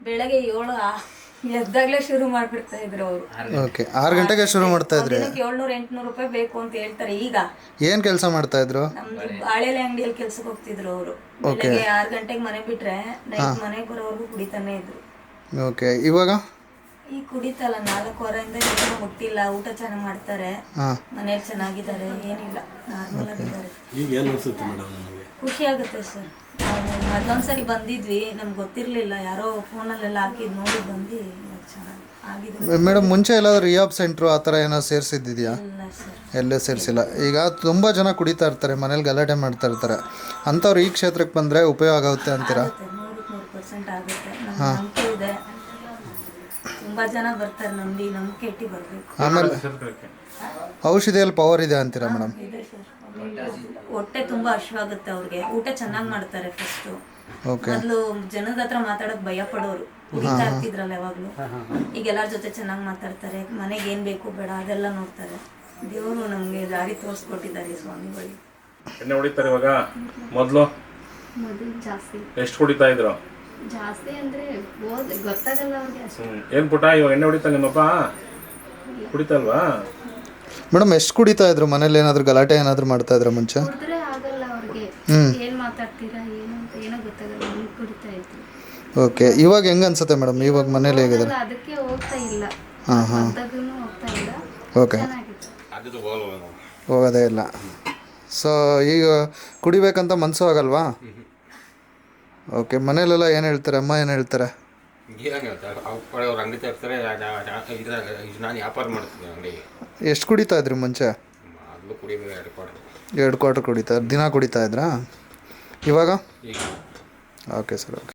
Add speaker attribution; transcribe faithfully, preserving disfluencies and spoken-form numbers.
Speaker 1: ಬೆಳಗ್ಗೆ ಏಳು ಎದ್ದಾಗಲೇ ಶುರು ಮಾಡಿಬಿಡ್ತಾ ಇದ್ರು ಅವರು.
Speaker 2: ಓಕೆ, ಆರು ಗಂಟೆಗೆ ಶುರು ಮಾಡ್ತಾ ಇದ್ರಿ.
Speaker 1: ದಿನಕ್ಕೆ ಏಳ್ನೂರು ಎಂಟ್ನೂರು ರೂಪಾಯಿ ಬೇಕು ಅಂತ ಹೇಳ್ತಾರೆ. ಈಗ
Speaker 2: ಏನು ಕೆಲಸ ಮಾಡ್ತಾ ಇದ್ರು?
Speaker 1: ನಮ್ದು ಬಾಳೆಲೆ ಅಂಗಡಿಯಲ್ಲಿ ಕೆಲ್ಸಕ್ಕೆ ಹೋಗ್ತಿದ್ರು ಅವರು. ಬೆಳಗ್ಗೆ ಆರು ಗಂಟೆಗೆ ಮನೆ ಬಿಟ್ರೆ ನೈಟ್ ಮನೆಗೆ ಬರೋವರೆಗೂ ಕುಡಿತಾನೆ ಇದ್ರು.
Speaker 2: ಓಕೆ, ಇವಾಗ
Speaker 1: ಈಗ ಕುಡಿತಲ್ಲ, ನಾಲ್ಕೂವರೆಯಿಂದ ಏನೂ ಮುಟ್ಟಿಲ್ಲ. ಊಟ ಚೆನ್ನಾಗಿ ಮಾಡ್ತಾರೆ, ಮನೇಲಿ ಚೆನ್ನಾಗಿದ್ದಾರೆ, ಏನಿಲ್ಲ, ನಾರ್ಮಲ್ ಆಗಿದ್ದಾರೆ.
Speaker 3: ಈಗ ಏನು ಅನ್ಸುತ್ತೆ ಮೇಡಮ್ ನಿಮಗೆ?
Speaker 1: ಖುಷಿ ಆಗುತ್ತೆ ಸರ್. ನಾವು ಮೊದಲೊಂದ್ಸರಿ ಬಂದಿದ್ವಿ, ನಮ್ಗೆ ಗೊತ್ತಿರಲಿಲ್ಲ, ಯಾರೋ ಫೋನಲ್ಲೆಲ್ಲ ಹಾಕಿದ್ ನೋಡಿ ಬಂದು ಚೆನ್ನಾಗಿ ಆಗಿದೆ.
Speaker 2: ಮೇಡಮ್, ಮುಂಚೆ ಎಲ್ಲಾದ್ರೂ ರಿಯಾಬ್ ಸೆಂಟ್ರು ಆ ಥರ ಏನೋ ಸೇರಿಸಿದ್ದಿದೆಯಾ?
Speaker 1: ಇಲ್ಲ ಸರ್,
Speaker 2: ಎಲ್ಲೇ ಸೇರಿಸಿಲ್ಲ. ಈಗ ತುಂಬ ಜನ ಕುಡಿತಾ ಇರ್ತಾರೆ, ಮನೇಲಿ ಗಲಾಟೆ ಮಾಡ್ತಾ ಇರ್ತಾರೆ, ಅಂಥವ್ರು ಈ ಕ್ಷೇತ್ರಕ್ಕೆ ಬಂದರೆ ಉಪಯೋಗ ಆಗುತ್ತೆ ಅಂತೀರಾ?
Speaker 1: ನೂರಕ್ಕೆ ನೂರು ಪರ್ಸೆಂಟ್ ಆಗುತ್ತೆ. ನಮ್ಗೆ ನಂಬಿಕೆ ಇದೆ, ತುಂಬ ಜನ ಬರ್ತಾರೆ, ನಂಬಿ ನಂಬಿಕೆ ಇಟ್ಟು ಬರಬೇಕು.
Speaker 2: ಆಮೇಲೆ ಔಷಧಿಯಲ್ಲಿ ಪವರ್ ಇದೆ ಅಂತೀರಾ ಮೇಡಮ್?
Speaker 1: ಇದೆ ಸರ್. ಹೊಟ್ಟೆ ತುಂಬ ಹಶ್ವಾಗುತ್ತೆ ಅವ್ರಿಗೆ. ಊಟ ಚೆನ್ನಾಗಿ ಮಾಡ್ತಾರೆ ಫಸ್ಟು.
Speaker 2: ಓಕೆ.
Speaker 1: ಮೊದಲು ಜನದ ಹತ್ರ ಮಾತಾಡೋಕೆ ಭಯ ಪಡೋರು, ಕುಡಿತಾ ಇರ್ತಿದ್ರಲ್ಲ ಯಾವಾಗಲೂ. ಈಗ ಎಲ್ಲರ ಜೊತೆ ಚೆನ್ನಾಗಿ ಮಾತಾಡ್ತಾರೆ, ಮನೆಗೆ ಏನು ಬೇಕು ಬೇಡ ಅದೆಲ್ಲ ನೋಡ್ತಾರೆ. ದೇವರು ನಮಗೆ ದಾರಿ ತೋರಿಸ್ಕೊಟ್ಟಿದ್ದಾರೆ ಸ್ವಾಮಿಗಳು.
Speaker 4: ಎಣ್ಣೆ ಹೊಡಿತಾರೆ ಇವಾಗ? ಮೊದಲು
Speaker 5: ಮೊದಲು ಜಾಸ್ತಿ
Speaker 4: ಎಷ್ಟು ಹೊಡಿತಾ ಇದ್ರು?
Speaker 5: ಜಾಸ್ತಿ ಅಂದರೆ ಗೊತ್ತಾಗಲ್ಲ ಅವ್ರಿಗೆ.
Speaker 4: ಹ್ಞೂ ಏನು ಪುಟ, ಇವಾಗ ಎಣ್ಣೆ ಹೊಡಿತಾ ನಿಮ್ಮಪ್ಪ? ಕುಡಿತಲ್ವಾ?
Speaker 2: ಮೇಡಮ್, ಎಷ್ಟು ಕುಡಿತಾ ಇದ್ರು? ಮನೇಲಿ ಏನಾದರೂ ಗಲಾಟೆ ಏನಾದರೂ ಮಾಡ್ತಾ ಇದ್ರ ಮುಂಚೆ?
Speaker 5: ಕುಡಿದ್ರೆ ಆಗಲ್ಲ ಅವ್ರಿಗೆ, ಏನು ಮಾತಾಡ್ತೀರಾ ಏನು ಅಂತ ಏನೋ ಗೊತ್ತಾಗಲ್ಲ, ಹಂಗೆ ಕುಡಿತಾ ಇದ್ರು.
Speaker 2: ಓಕೆ, ಇವಾಗ ಹೆಂಗೆ ಅನ್ಸುತ್ತೆ ಮೇಡಮ್? ಇವಾಗ ಮನೇಲಿ ಹೇಗಿದ್ದಾರೆ?
Speaker 5: ಅದಕ್ಕೆ ಹೋಗ್ತಾ ಇಲ್ಲ,
Speaker 2: ಹಾಂ ಹಾಂ
Speaker 5: ಅಂತದೂ ಹೋಗ್ತಾ ಇಲ್ಲ.
Speaker 2: ಓಕೆ,
Speaker 5: ಚೆನ್ನಾಗಿತ್ತು.
Speaker 2: ಹೋಗೋದೇ ಇಲ್ಲ. ಸೊ ಈಗ ಕುಡಿಬೇಕಂತ ಮನಸ್ಸು ಆಗಲ್ವಾ? ಓಕೆ, ಮನೇಲೆಲ್ಲ ಏನು ಹೇಳ್ತಾರೆ? ಅಮ್ಮ ಏನು ಹೇಳ್ತಾರೆ?
Speaker 6: ಏನು ಹೇಳ್ತಾರೆ, ಅವ್ರು ಅಂಗಡಿ ತರ್ತಾರೆ. ನಾನು ವ್ಯಾಪಾರ ಮಾಡ್ತೀನಿ ಅಂಗಡಿ.
Speaker 2: ಎಷ್ಟು ಕುಡಿತಾ ಇದ್ರಿ ಮುಂಚೆ?
Speaker 6: ಮೊದಲು ಕುಡಿಬೇಕು ಎರಡು ಕ್ವಾರ್ಟರ್.
Speaker 2: ಎರಡು ಕ್ವಾರ್ಟರ್ ಕುಡಿತಾ ದಿನ ಕುಡಿತಾ ಇದ್ರಾ? ಇವಾಗ?
Speaker 6: ಈಗ
Speaker 2: ಓಕೆ ಸರ್, ಓಕೆ.